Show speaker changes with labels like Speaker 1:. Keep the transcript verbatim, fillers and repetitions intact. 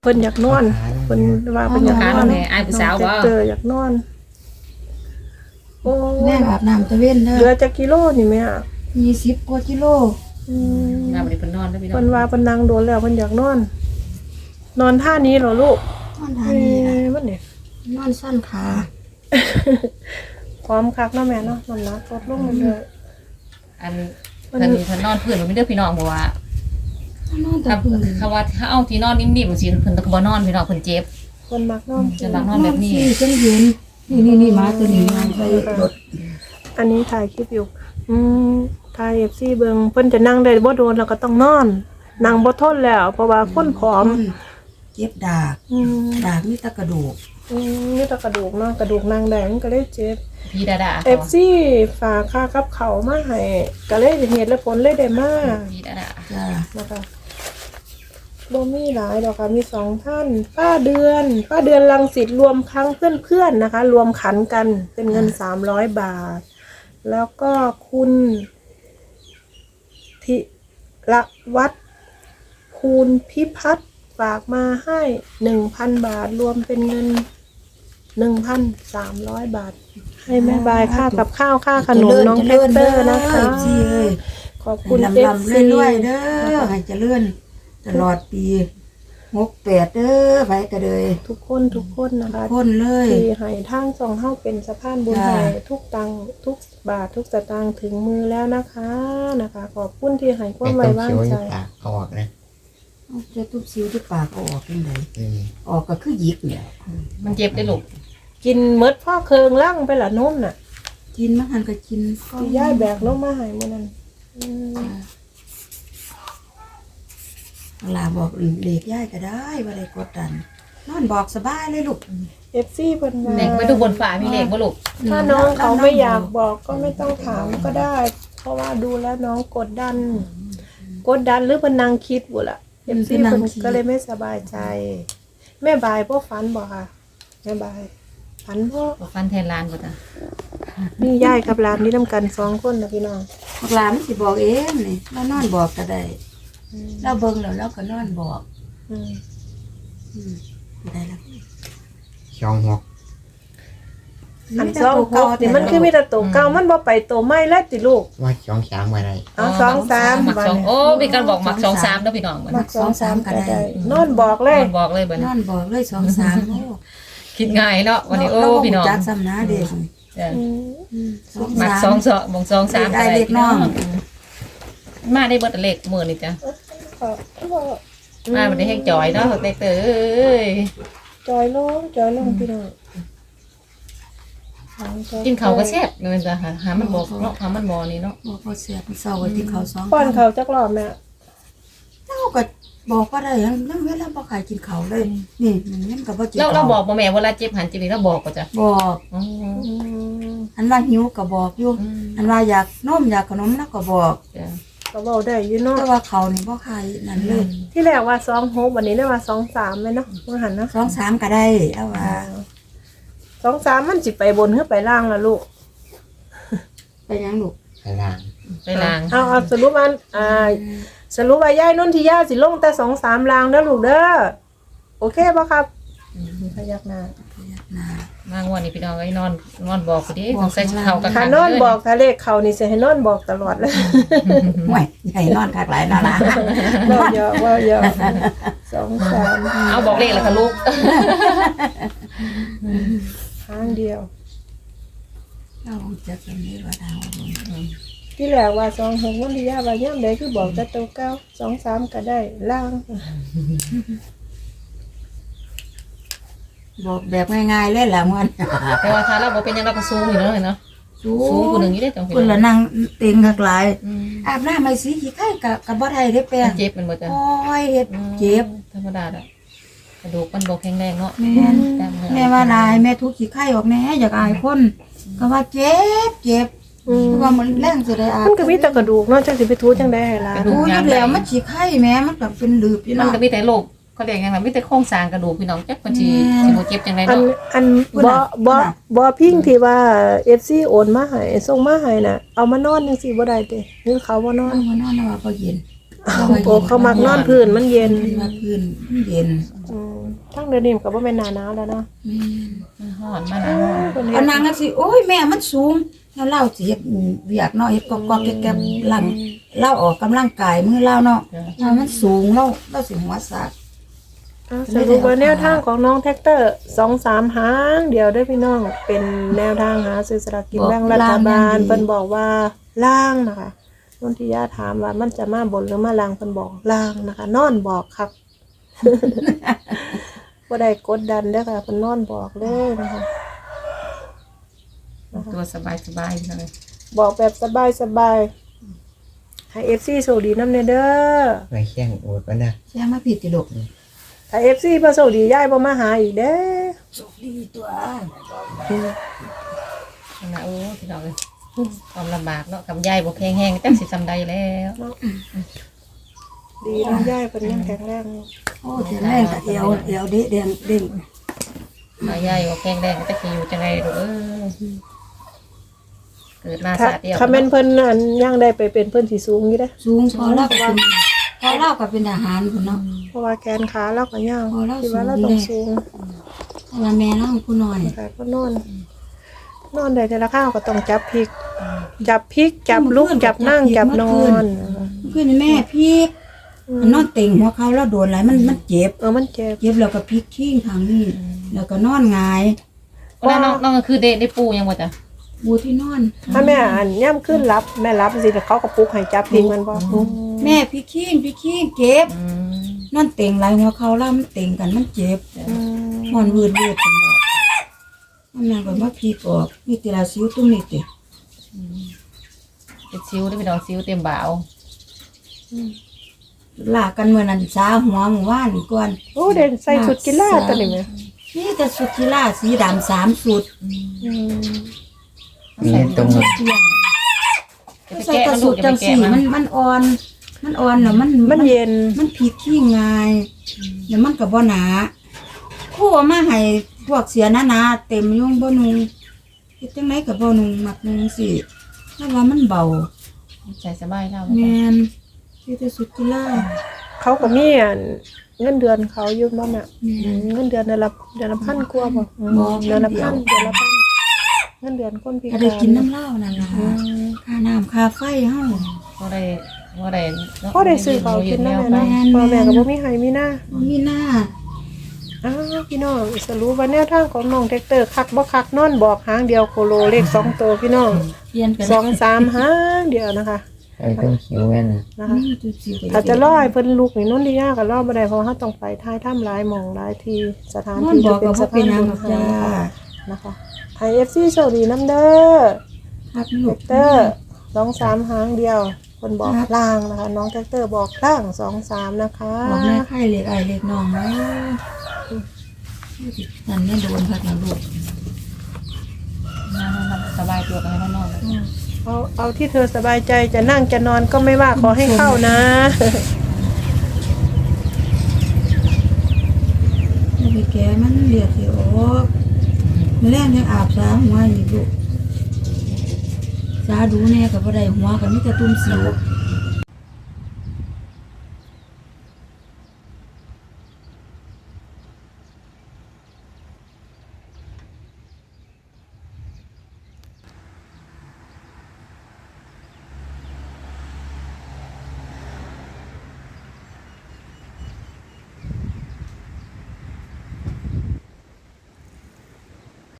Speaker 1: เพิ่นอยากนอนเพิ่นว่าเพิ่นอยากนอน
Speaker 2: แม่อ้ายผู้สาวบ่
Speaker 1: เจออยากนอนโอ้
Speaker 3: แม่อาบน้ำตะเว้นเด้
Speaker 1: เหลื
Speaker 3: อ
Speaker 1: อจักกิโลนี่แม่
Speaker 3: ยี่สิบกว่ากิโล
Speaker 1: อืม
Speaker 2: มาบ่ได้เพิ่นนอนแล้วพี่น้อ
Speaker 1: เพิ่
Speaker 2: ง
Speaker 1: นว่าเพิ่นนั่งโดนแล้วเพิ่นอยากนอน นอนท่านี้เหรอลูก
Speaker 3: นอนทา
Speaker 1: เอ้
Speaker 3: นี่ล่ะ
Speaker 1: มันนี่
Speaker 3: นอนสั้นขา
Speaker 1: พร้อมคักเนาะแม่เนาะมันนะลดลงเรื่อย
Speaker 2: อันเพิ่นเพิ่นนอนพื้นบ่มีเด้อพี่น้องเพราะว่าน
Speaker 3: อนแต่
Speaker 2: ถ้า
Speaker 3: พื้น
Speaker 2: ถ้าว่าถ้าเอาที่นอนนิ่มๆสิเพิ่นก็บ่นอนพี่น้องเพิ่นเจ็บ
Speaker 1: ๆเพิ่นมักนอน
Speaker 2: จะมักนอนแบบนี้
Speaker 3: สี่จังเย็นนี่นี่นี่มาตัวนี้มันใส่รถ
Speaker 1: อันนี้ถ่ายคลิปอยู่ อืมถ่าย เอฟ ซี เบิ่งเพิ่นจะนั่งได้บ่โดนแล้วก็ต้องนอนนั่งบ่ทนแล้ว เพราะว่าคนผอม
Speaker 3: เจ็บดาก
Speaker 1: อืม
Speaker 3: ดากมีแตะกระดูก
Speaker 1: อืมนี่แต่กระดูกเนาะกระดูกนางแดงก็เลยเจ็บ
Speaker 2: พี่ดาดา
Speaker 1: เอฟซีฝากค่ากับเขาวมาให้ก็เลยเหตุและผลเลยได้มา
Speaker 2: พี่ดาดา
Speaker 3: จ้า
Speaker 1: นะคะบ่มีหลายดอกค่ะมีสองท่านป้าเดือน ป้าเดือนรังสิตรวมครั้งเพื่อนๆนะคะ รวมขันกันเป็นเงินสามร้อยบาท แล้วก็คุณธิระวัฒน์คูณพิพัฒน์ฝากมาให้หนึ่งพันบาท รวมเป็นเงินหนึ่งพันสามร้อยบาท ให้แม่บายค่ากับข้าวค่าขนมน้องเทสเตอร์นะคะ
Speaker 3: จีเอ้ย
Speaker 1: ขอบคุณ
Speaker 3: ลำ
Speaker 1: เอฟ
Speaker 3: ลำ
Speaker 1: ซี
Speaker 3: เรื่อยๆเด้อให้เจริญตลอดปีหกแปดเด้อไปกระเดย
Speaker 1: ทุกคนทุกคนนะคะ
Speaker 3: พ่นเลย
Speaker 1: ที่ให้ทางสองเฮาเป็นสะพานบุญ
Speaker 3: จ้า
Speaker 1: ให้ทุกตังค์ทุกบาททุกสตางค์ถึงมือแล้วนะคะนะคะ ขอบคุณที่ให้ความไว้วางใจ
Speaker 4: ปากเอาออกนะ
Speaker 3: เอาจะทุบซิวที่ปากเอาออกยังไง
Speaker 4: อืม
Speaker 3: ออกก็คือหยิกเนี่ย
Speaker 2: มันเจ็บได้อลูก
Speaker 1: กินเมดพ่อเคืองล่างไปละนุ่มน่ะ
Speaker 3: กินมันหันก็กิน
Speaker 1: ที่ย่ายแบกลงมาให้มื้อนั้นอืม
Speaker 3: ลาบอกเล็กย่ายก็ได้ว่าได้กดดันนอนบอกสบายเลยลูก
Speaker 1: เอฟซีเพิ่นว่า
Speaker 2: เด็กไปดูบนฟ้ามีเลขบ่ลูก
Speaker 1: ถ้าน้องเขาไม่อยากบอกก็ไม่ต้องถามก็ได้ เพราะว่าดูแล้วน้องกดดัน กดดันหรือเพิ่นนั่งคิดบุล่ะเอฟซีเพิ่นก็เลยไม่สบายใจ แม่บายพ่อฝันบ่ค่ะแม่บายฝันพ่อ
Speaker 2: บ่ฟันแทนลานบ่จ้ะ
Speaker 1: นี่ยายกับหลานนี่นำกันสองคนนะพี่น้อง
Speaker 3: พวกหลานมันสิบอกเองนี่เรานอนบอกก็ได้เราเบิ่งแล้วเราก็นอนบอก
Speaker 1: อืม
Speaker 3: อืมได้แล้ว
Speaker 4: ช่องหก
Speaker 1: อันสองหกนี่มันคือมีแต่ตัวเก่ามันบ่ไปตัวใหม่แล้วติลูก
Speaker 4: ว่าช่องสามอะไร
Speaker 1: เอาสองสาม
Speaker 2: มัก
Speaker 1: บัด
Speaker 2: สอง
Speaker 1: นี้
Speaker 2: โอ้มีการบอกมักสองสามเด้อพี่น้องบัด
Speaker 1: มั
Speaker 2: นี้
Speaker 1: กสองสามก็ได้นอนบอกเลย
Speaker 2: มันบอกเลยบัด
Speaker 3: น
Speaker 2: นี้
Speaker 3: อนบอกเลยสองสามโอ้
Speaker 2: คิดง่ายเนาะวันนี้โอ้
Speaker 3: เราบ่
Speaker 2: พี่น้อง
Speaker 3: จักซ้ำนะเด็ก
Speaker 2: จ้ะ
Speaker 1: อืม
Speaker 3: อืมสอง
Speaker 2: มัก
Speaker 3: สาม
Speaker 2: สองสองบงสองสาม
Speaker 3: ได้เลขน้อง
Speaker 2: มาได้เบิดเลขมื้อนี่จ้ะ
Speaker 1: ขอบคุณ
Speaker 2: มาบ่ได้ให้จอยเนาะเด็กเตอเอ้ย
Speaker 1: จอยลงจอยลงพี่น้อง
Speaker 2: กินข้าวก็แซ่บเงินจ้ะหาหามันบอกเนาะหามันบ่นี่เนาะ
Speaker 3: บอกพอเสียบเศร้าไว้ที่เขาสอง
Speaker 1: ป้อนเขาจักรอบแม่
Speaker 3: เจ้าก็บอกว่าได้ยังยังเวลาบ่ขายกินเขาวเลย นี่มันยังก็บ่กิน
Speaker 2: เรา
Speaker 3: ข้ว
Speaker 2: เราบอกบ่แม่เวลาเจ็บหันเจ็บนี่เราบอกก็จ้ะ
Speaker 3: บอก
Speaker 2: อ๋อ
Speaker 1: อืม
Speaker 3: อันว่าหิวก็บอกอยู่
Speaker 2: อืม
Speaker 3: อันว่าอยากนมอยากขนมแล้วก็บอก
Speaker 2: จ้ะ
Speaker 1: ก็เว้าได้อยู่เนาะ
Speaker 3: แต่ว่าเขานี่บ่ขายนั่นเลย
Speaker 1: ที่แรกว่าสองหกวันนี้ได้ว่าสองสามเลยเนาะว่าหันเนาะ
Speaker 3: สองสามก็ได้เอาว่า
Speaker 1: สองสามมันสิไปบนหรือไปล่างล่ะลูก
Speaker 3: ไปยังลูก
Speaker 4: พลัง
Speaker 2: ไปล้าง
Speaker 1: เอาเอาสรุปว่าอ่า สรุปว่ายายนุ่นที่ย่าสิลงแต่สองสามลางเด้อลูกเด้อโอเคป่ะครับพยักหน้า
Speaker 3: พยักหน้าม
Speaker 2: างวันนี้พี่น้องไอ้นอนนอนบอกพอดีต้องใส่ข้าวกัน
Speaker 1: ถ้านอนบอกถ้าเลขเขานี่สิให้นอนบอกตลอดเลย
Speaker 3: ห่วยใหญ่นอนคักหลายนอนละ
Speaker 1: ว่าเยอะว่าเยอะสองสาม
Speaker 2: เอาบอกเลขแล้วค่ะลูก
Speaker 1: ครั้งเดียว
Speaker 3: เราจะเป็นนี้ว่าดาว
Speaker 1: ที่แรกว่าสองหกวันที่ย่าว่าย่ำใดคือบอกแต่ตัวเก้าสองสามก็ได้ล่าง
Speaker 3: บอกแบบง่ายๆเลยล่ะมัน
Speaker 2: แต่ว่าถ้าเราบอกเป็นยังเราก็สูงอยู่เนาะเนาะ
Speaker 3: สู
Speaker 2: สูง
Speaker 3: ง
Speaker 2: คนหนึ่งอยู่ได้จัง
Speaker 3: คุณละนั่งเต็งคักหลาย
Speaker 2: อืม
Speaker 3: อาบน้ำไม่สีขี้ไข่กับกับบ่ได้ได้แป้ง
Speaker 2: เจ็บมันหมดจ้ะ
Speaker 3: โอ้ยเฮ็ดเจ็บ
Speaker 2: ธรรมดาอ่ะกระดูกมันบอกแข็งแรงเนาะ
Speaker 3: แม่น
Speaker 2: กล้ามเนื้อ
Speaker 3: แม่ว่านายแม่ทุกขี้ไข่ออกแน่อยากอายคนก็ว่าเจ็บเจ็บ
Speaker 1: อืม
Speaker 3: เพราะว่ามันแรงสิได้อาบ
Speaker 1: มันก็มีแต่กระดูกเนาะจังสิไปทูจังได้ให้ล่ะ
Speaker 3: ดูอยู่แล้วมันขี้ไข่แม่มันก็เป็นหลืบอยู่
Speaker 2: มัน
Speaker 3: เนาะ
Speaker 2: ก็มีแต่โรคเขาเรียกยังไงมีแต่โครงสร้างกระดูกพี่น้องจักมันสิสิบ่เจ็บจังได
Speaker 1: อัน
Speaker 2: เนาะ
Speaker 1: อันบ่บ่บ่พิงที่ว่า เอฟ ซี โอนมาให้ส่งมาให้น่ะเอามานอนจังซี่บ่ได้เด้หรือเขาบ่นอน
Speaker 3: เอามานอนแล้วว่าบ่เย็น
Speaker 1: โอ้เขามักนอนพื้นมันเย็น
Speaker 3: มาพื้นมันเย็น
Speaker 1: อืมทั้งเดือนนี้มันก็บ่แม่นหน้าหนาวแล้วเนาะ
Speaker 2: มันฮ้อนมาหนาว
Speaker 1: เพิ่น
Speaker 3: เอา
Speaker 1: เฮ็ด
Speaker 3: นางก็สิโอ้ยแม่มันสูงแล้วเล่าสิเฮ็ดเวียกเนาะเฮ็ดกอกๆแก๊บๆหลังเล่าออกกำลังกายมือเล่าเนาะถ้ามันสูงเราเราสิหัวสาก
Speaker 1: อ่ะสรุปว่าแนวทางของน้องแท็กเตอร์สองสามหางเดียวเด้อพี่น้องเป็นแนวทางหาซื้อสลากกินแบ่งรัฐบาลเพิ่นบอกว่าล่างนะคะนนทิยาถามว่ามันจะมาบนหรือมาล่างเพิ่นบอกล่างนะคะ นอนบอกครับ บ่ได้กดดันเด้อค่ะเพิ่นนอนบอกเลยนะคะ
Speaker 2: ตัวสบายสบายเลย
Speaker 1: บอกแบบสบายๆให้ เอฟ ซี โชคดีนำแน่เด้อ
Speaker 4: ไปแข่งโอดก็นะ
Speaker 3: แช่มาผิดติลูก
Speaker 1: ถ้า เอฟ ซี บ่โชคดียายบ่มาหาอีกเด้อ
Speaker 3: โชคดีตัว
Speaker 2: นะโอ้พี่น้องเลยความลำบากเนาะกับยายบ่แข็งแห้งจังสิจำได้แล้ว
Speaker 1: ดีน้องยายเพิ่นยังแข็งแรงอยู่
Speaker 3: โอ้แต่แรกก็เอวเอวเด้เด้งเด้ง
Speaker 2: มายายบ่แข็งแรงก็จะสิอยู่จังไดลูกเอ้ยเกิดมา
Speaker 1: ถ้า
Speaker 2: สาดเดียว
Speaker 1: ถ้าแม่นเพิ่นอันยังได้ไปเป็นเพิ่นสิสูงอยู่เด้อ
Speaker 3: สูงพอเล่าก็เป็นพอเล่าก็เป็นทหารพุ่นเนาะ
Speaker 1: เพราะว่าแขนขาเราก็ยาว
Speaker 3: โอ้เรา
Speaker 1: คิดว่าเรา
Speaker 3: สู
Speaker 1: ต้อง ง
Speaker 3: อยู่
Speaker 1: สูง
Speaker 3: แต่ว่าแม่เราผู้น้อย
Speaker 1: แต่ก็นอน นอนได้แต่ละข้าวก็ต้องจับพริก จับพริก จับลุกจับนั่งจับนอน
Speaker 3: เพื่อนแม่พี่มันนอนเต็งหัวเขาแล้วโดนอะไรมันมันเจ็บ
Speaker 1: เออมันเจ็บ
Speaker 3: เจ็บแล้วก็พลิกขี้งทางนี้แล้วก็นอนหงาย
Speaker 2: ว่าน้องน้องก็คือได้ได้ปูยังบ่จ้ะ
Speaker 3: บูที่นอน
Speaker 1: ถ้าแม่อันย่ำขึ้นรับแม่รับสิแต่เขาก็ปลุกให้จับพริกมันบ่
Speaker 3: แม่พลิกขี้งพลิกขี้งเจ็บ
Speaker 2: อืม
Speaker 3: นอนเต็งไหลหัวเขาแล้วมันเต็งกันมันเจ็บ
Speaker 1: อืม
Speaker 3: นอนวืดวืดกันแล้วมันนั่นก็มาพลิกออกนี่ติลาซิวตุ้มนี่ติ
Speaker 2: เป็นซิวได้พี่น้องซิวเต็มบ่าว
Speaker 3: ลากกันเมื่อนั้นสาหัวหมู่ว่านก่อน
Speaker 1: โอ้เด่นใส่ชุดกีฬาตัวนี้แม่
Speaker 3: นี่แต่สุดกีฬาสีดำสามสุด
Speaker 1: อืม
Speaker 4: มีตรง
Speaker 3: เที่ยง
Speaker 2: จะไป
Speaker 3: ใส่
Speaker 2: แกะ
Speaker 3: กระ
Speaker 2: มัน
Speaker 3: สุ
Speaker 2: ลู
Speaker 3: ด
Speaker 2: กจะ
Speaker 3: จั
Speaker 2: ไป
Speaker 3: ง
Speaker 2: แกะ
Speaker 3: สี
Speaker 2: มั
Speaker 3: มัน นมันอ่อน มันอ่อนแล้วมัน
Speaker 1: มันเย็น
Speaker 3: มันพลิกขี้งายแล้วมันก็บ่หนาคู่เอามาให้พวกเสียหนาๆเต็มยุ่งบ่นุงเฮ็ดจังไดก็บ่นุงมักนุงสิถ้าว่ามันเบา
Speaker 2: ใส่สบายแล้ว
Speaker 3: แม่นที่แต่สุดกีฬา
Speaker 1: เขาก็มีอันเงินเดือนเขาอยู่บ่แม่อืมเงินเดือนเดือนละเดือนละพันกว่าบ่อืมเดือนละพันเดือนละพันเงินเดือนคนพิ
Speaker 3: ก็
Speaker 1: การ
Speaker 3: ได้กินน้ำเหล้านั่นล่ะ
Speaker 1: อืม
Speaker 3: ค่าน้ำค่าไฟเฮา
Speaker 2: ก็ได้ก็ได้
Speaker 1: พอได้ซื้อเขาวกินนำแม่เนาะพ่อแม่ก็บ่มีให้มีหน้า
Speaker 3: บ่มีหน้า
Speaker 1: อ้าวพี่น้องสรุปว่าแนวทางของน้องแท็กเตอร์คักบ่คักนอนบอกหางเดียวโคโลเลขสองตัวพี่น้อง
Speaker 3: เปลี่ยนกัน
Speaker 1: สองสามหางเดียวนะคะ
Speaker 4: ไอ้ต้องคิวแม่น
Speaker 1: นะคะ
Speaker 3: นี่จุดสิ
Speaker 1: ถ้าจะรอให้เพิ่นลูกนี่นนทิยาก็รอบ่ได้เพราะว่าเฮาต้องไปท้ายถ้ำหลายหม่องหลายที่สถาน
Speaker 3: นอน
Speaker 1: ที่
Speaker 3: บ
Speaker 1: จะ
Speaker 3: อก
Speaker 1: เป็น
Speaker 3: ก็
Speaker 1: ส
Speaker 3: บ่เป็น
Speaker 1: ถาน
Speaker 3: หยัง
Speaker 1: บุ
Speaker 3: หร
Speaker 1: ญ
Speaker 3: อก
Speaker 1: ให้
Speaker 3: จ้า
Speaker 1: นะคะให้ เอฟ ซี โชคดีนำเด้อ
Speaker 3: ครับ
Speaker 1: แท็
Speaker 3: ลูก
Speaker 1: กเตอร์สองสามหางเดียวคนบอก
Speaker 3: ครับ
Speaker 1: ล่างนะคะ น้องแท็กเตอร์บอกล่างสองสามนะคะ
Speaker 3: บอกแม่ไข่เล็กไอเล็กน้องนะนั่นแม่โดนพักนะลูก
Speaker 2: สบายตัวกันให้นอนเลย
Speaker 1: เอาเอาที่เธอสบายใจจะนั่งจะนอนก็ไม่ว่าขอให้เข้านะ
Speaker 3: ไม่ไปแก่มันเลียดสิออกแม่แรงยังอาบสาหัวอยู่ลูกสาดูแน่กับบ่ได้หัวกับมิแต่ตุ้มสิว